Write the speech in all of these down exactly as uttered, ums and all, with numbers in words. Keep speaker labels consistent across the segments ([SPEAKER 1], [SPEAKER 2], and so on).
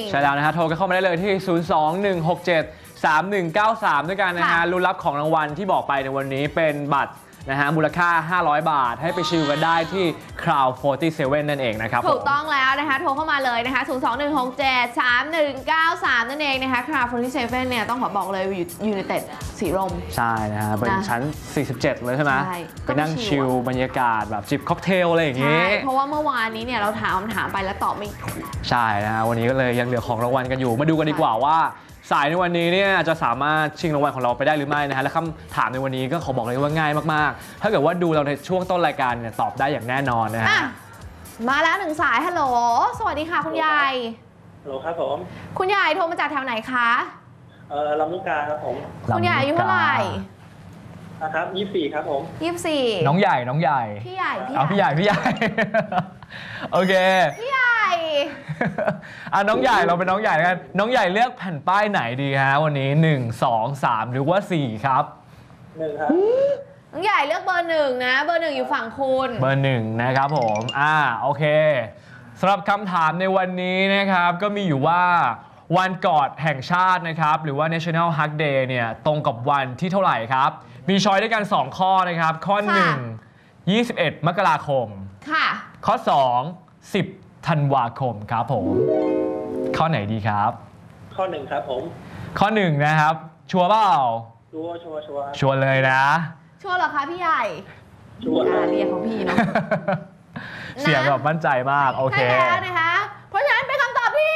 [SPEAKER 1] ใช่แล้วนะฮะโทรกันเข้ามาได้เลยที่ ศูนย์ สอง หนึ่ง หก เจ็ด สาม หนึ่ง เก้า สาม ด้วยกันนะฮะลุ้นรับของรางวัลที่บอกไปในวันนี้เป็นบัตรนะฮะมูลค่าห้าร้อยบาทให้ไปชิลกันได้ที่ Crowd สี่สิบเจ็ด นั่นเองนะครับ
[SPEAKER 2] ถูกต้องแล้วนะคะโทรเข้ามาเลยนะคะ ศูนย์ สอง หนึ่ง หก เจ็ด สาม หนึ่ง เก้า สาม นั่นเองนะคะ Crowd สี่สิบเจ็ดเนี่ยต้องขอบอกเลยอยู่United สีลม
[SPEAKER 1] ใช่นะฮะเป็นชั้นสี่สิบเจ็ดเลยใช่ไหมไปนั่งชิลบรรยากาศแบบจิบค็อกเทลอะไรอย่างงี้
[SPEAKER 2] ใช่เพราะว่าเมื่อวานนี้เนี่ยเราถามคำถามไปแล้วตอบไม่ถูก
[SPEAKER 1] ใช่นะฮะวันนี้ก็เลยยังเหลือของรางวัลกันอยู่มาดูกันดีกว่าว่าสายในวันนี้เนี่ยจะสามารถชิงรางวัลของเราไปได้หรือไม่นะฮะและคำถามในวันนี้ก็ขอบอกเลยว่าง่ายมากๆถ้าเกิดว่าดูเราในช่วงต้นรายการเนี่ยตอบได้อย่างแน่นอนนะฮะ
[SPEAKER 2] มาแล้วหนึ่งสายฮัลโหลสวัสดีค่ะคุณยาย
[SPEAKER 3] ฮัลโหลครับผม
[SPEAKER 2] คุณยายโทรมาจากแถวไหนคะ
[SPEAKER 3] เออลำลูกกาครับผม
[SPEAKER 2] คุณยายอายุเท่าไหร่
[SPEAKER 3] นะครับยี่สิบสี่ครับผม
[SPEAKER 2] ยี่สิบสี่
[SPEAKER 1] น้องใหญ่น้องใหญ่
[SPEAKER 2] พี่ใหญ่
[SPEAKER 1] เอาพี่ใหญ่พี่ใหญ่โอเค
[SPEAKER 2] พี่ใหญ่
[SPEAKER 1] อ่ะน้องใหญ่เราเป็นน้องใหญ่กันน้องใหญ่เลือกแผ่นป้ายไหนดีฮะวันนี้หนึ่ง สอง สามหรือว่าสี่ครับ
[SPEAKER 3] หนึ่งครับ
[SPEAKER 2] น้องใหญ่เลือกเบอร์หนึ่งนะเบอร์หนึ่งอยู่ฝั่งคุณ
[SPEAKER 1] เบอร์หนึ่งนะครับผมอ่าโอเคสำหรับคำถามในวันนี้นะครับก็มีอยู่ว่าวันกอดแห่งชาตินะครับหรือว่า National Hug Day เนี่ยตรงกับวันที่เท่าไหร่ครับมีช้อยด้วยกันสองข้อนะครับข้อหนึ่ง ยี่สิบเอ็ดมกราคม
[SPEAKER 2] ค่ะ
[SPEAKER 1] ข้อสอง สิบธันวาคมครับผมข้อไหนดีครับ
[SPEAKER 3] ข้อหนึ่งครับผม
[SPEAKER 1] ข้อหนึ่งนะครับชัวร์เปล่า
[SPEAKER 3] ชัวร์ชัวร์ชัวร์
[SPEAKER 1] ชัวร์เลยนะ
[SPEAKER 2] ชัวร์เหรอคะพี่ใหญ่
[SPEAKER 3] ชัวร์
[SPEAKER 2] เรียกของพี่เนาะ
[SPEAKER 1] เสียงแบบมั่นใจมากโอเค
[SPEAKER 2] ใช่แล้วนะคะเพราะฉะนั้นเป็นคำตอบที่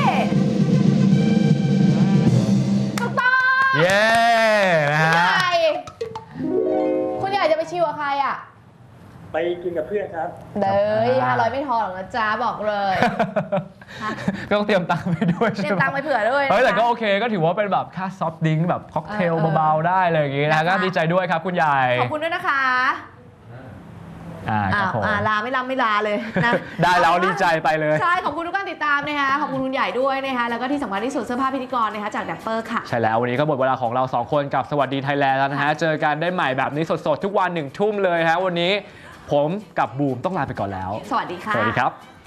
[SPEAKER 2] ถูกต้อง
[SPEAKER 1] เย้นะฮะ
[SPEAKER 2] คุณใหญ่จะไปชิวกับใครอ่ะ
[SPEAKER 3] ไปกินกับเพื่อนครับ
[SPEAKER 2] เด้อห้าร้อยไม่ทอหรอกนะจ๊ะบอกเลย
[SPEAKER 1] ก็ต้องเตรียมตังค์ไปด้วย
[SPEAKER 2] เตรียมตังค์ไปเผื่อด้วย
[SPEAKER 1] เฮ้ยแต่ก็โอเคก็ถือว่าเป็นแบบค่าซอฟต์ดริงก์แบบค็อกเทลเบาๆได้เลยอย่างงี้นะก็ดีใจด้วยครับคุณยาย
[SPEAKER 2] ขอบคุณด้วยนะคะ
[SPEAKER 1] อ่าครับผม
[SPEAKER 2] ลาไม่ลาไม่ลาเลยนะ
[SPEAKER 1] ได้แล้วดีใจไปเลย
[SPEAKER 2] ใช่ขอบคุณทุกการติดตามนะคะขอบคุณคุณใหญ่ด้วยนะคะแล้วก็ที่สำคัญที่สุดเสื้อผ้าพิธีกรนะคะจากแดปเปอร์ค่ะ
[SPEAKER 1] ใช่แล้ววันนี้ก็หมดเวลาของเราสองคนกับสวัสดีไทยแลนด์แล้วนะฮะเจอกันได้ใหม่แบบนี้สดๆทุกวันหนึ่งทุ่มเลยฮะวันนี้ผมกับบูมต้องลาไปก่อนแล้ว
[SPEAKER 2] สวัสดีค่ะ
[SPEAKER 1] สวัสดีครับ